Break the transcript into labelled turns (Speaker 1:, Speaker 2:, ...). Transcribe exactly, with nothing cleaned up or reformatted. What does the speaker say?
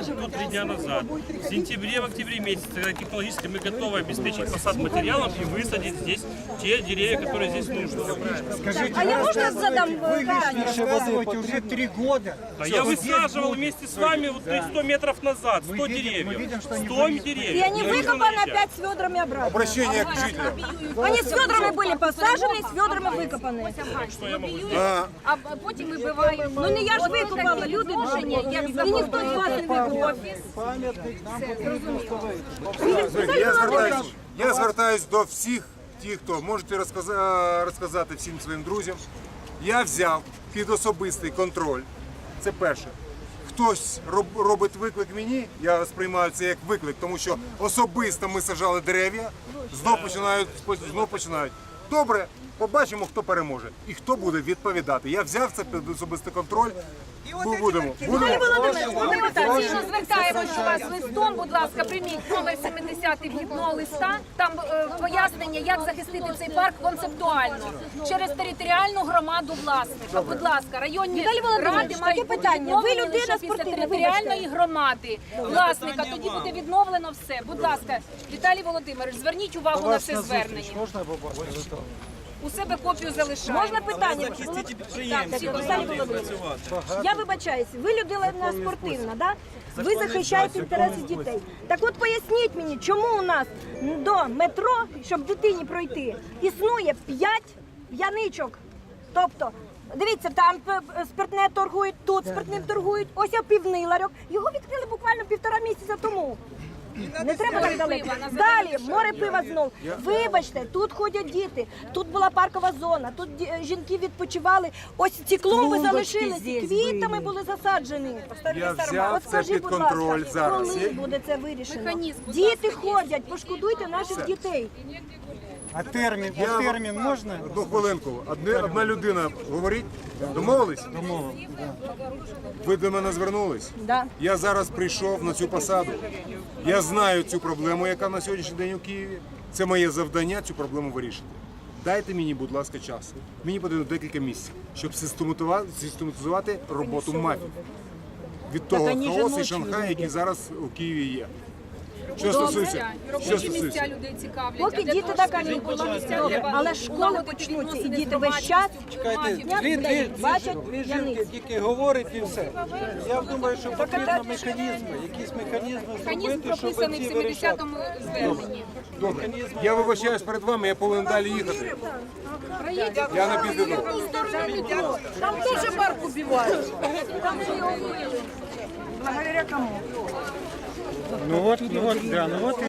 Speaker 1: Тут три дня назад, в сентябре, в октябре месяце, когда технологически мы готовы обеспечить посад материалом и высадить здесь те деревья, которые здесь нужны.
Speaker 2: Скажите,
Speaker 3: А я можно задам
Speaker 2: вы лишнее рассказываете уже три года.
Speaker 1: А я высаживал вместе с вами вот сто метров назад, сто деревьев. сто деревьев.
Speaker 3: И они выкопаны опять с ведрами обратно.
Speaker 4: Обращение к жителям.
Speaker 3: Они с ведрами были посажены, с ведрами викопані.
Speaker 4: А,
Speaker 5: А потім вибиваємо.
Speaker 3: Ну не я ж викопала, люди
Speaker 5: Положення, як
Speaker 3: і ніхто з вас не викопав.
Speaker 5: офіс.
Speaker 4: я звертаюсь, я звертаюсь до всіх тих, хто можете розказа- розказати всім своїм друзям. Я взяв під особистий контроль. Це перше. Хтось роб- робить виклик мені, я сприймаю це як виклик, тому що особисто ми сажали дерев'я, знов починають, знов починають. Добре, побачимо, хто переможе і хто буде відповідати. Я взяв це під особистий контроль. Ми будемо. будемо.
Speaker 5: Ми офіційно звертаємося до вас листом, будь ласка, прийміть номер сімдесят вхідного листа. Там е, пояснення, як захистити цей парк концептуально через територіальну громаду власника. Будь ласка, районні
Speaker 3: Віталій Володимирович,
Speaker 5: ради
Speaker 3: таке
Speaker 5: мають бути
Speaker 3: питання. Ви
Speaker 5: відновлені
Speaker 3: людина
Speaker 5: лише після
Speaker 3: спортивна,
Speaker 5: територіальної громади власника. Тоді буде відновлено все. Будь ласка, Віталій Володимирович, зверніть увагу на це звернення.
Speaker 2: Можна побачити?
Speaker 5: У себе копію залишаємо.
Speaker 3: Можна питання? Так, Віталій Володимирович, я вибачаюсь, ви людина спортивна, да? Ви захищаєте інтереси дітей. Так от поясніть мені, чому у нас до метро, щоб дитині пройти, існує п'ять п'яничок. Тобто, дивіться, там е, спиртне торгують, тут спиртним торгують, ось я півний ларьок. Його відкрили буквально півтора місяця тому. Не треба так далеко. Далі, море пива знов. Вибачте, тут ходять діти, тут була паркова зона, тут ді- жінки відпочивали. Ось ці клумби залишилися, квітами були засаджені.
Speaker 4: Я взяв
Speaker 3: От
Speaker 4: це
Speaker 3: скажіть,
Speaker 4: під
Speaker 3: будь
Speaker 4: контроль
Speaker 3: ласка,
Speaker 4: зараз.
Speaker 3: коли буде це вирішено?
Speaker 5: Механізм, будь
Speaker 3: Діти ходять, пошкодуйте наших дітей.
Speaker 2: А термін, а термін можна?
Speaker 4: Одну хвилинку. Одне- Одна людина говорить. Домовились?
Speaker 2: Домовились.
Speaker 4: Ви до мене звернулись?
Speaker 3: Да.
Speaker 4: Я зараз прийшов на цю посаду. Я знаю цю проблему, яка на сьогоднішній день у Києві. Це моє завдання цю проблему вирішити. Дайте мені, будь ласка, час. Мені потрібно декілька місяців, щоб систематизувати, систематизувати роботу мафії. Від того хаосу і Шанхаю, який зараз у Києві є. Що стосується, що
Speaker 5: Робочі
Speaker 4: стосується.
Speaker 5: місця людей цікавлять.
Speaker 3: Поки
Speaker 5: А для
Speaker 3: діти
Speaker 5: того,
Speaker 3: так
Speaker 5: щоб
Speaker 3: кажуть,
Speaker 5: робочі місця
Speaker 3: добре,
Speaker 5: треба
Speaker 3: але школи
Speaker 5: налагодити
Speaker 3: почнуться, і
Speaker 5: відносини
Speaker 3: діти
Speaker 5: з
Speaker 3: весь час
Speaker 5: громадськістю,
Speaker 3: Дня
Speaker 6: Дві, дві,
Speaker 3: бачать
Speaker 6: дві
Speaker 3: п'яниць.
Speaker 6: жінки тільки говорять і все. Я думаю, що потрібно механізми, якісь механізми
Speaker 5: Механізм
Speaker 6: зробити, щоб
Speaker 5: прописаний в
Speaker 6: ці вирішати.
Speaker 5: сімдесятому зверненні.
Speaker 4: Добре. Я вибачаюсь перед вами, я повинен далі їхати. Я не піду.
Speaker 3: Там теж парк убивають.
Speaker 2: Ну от, ну от, да, ну от і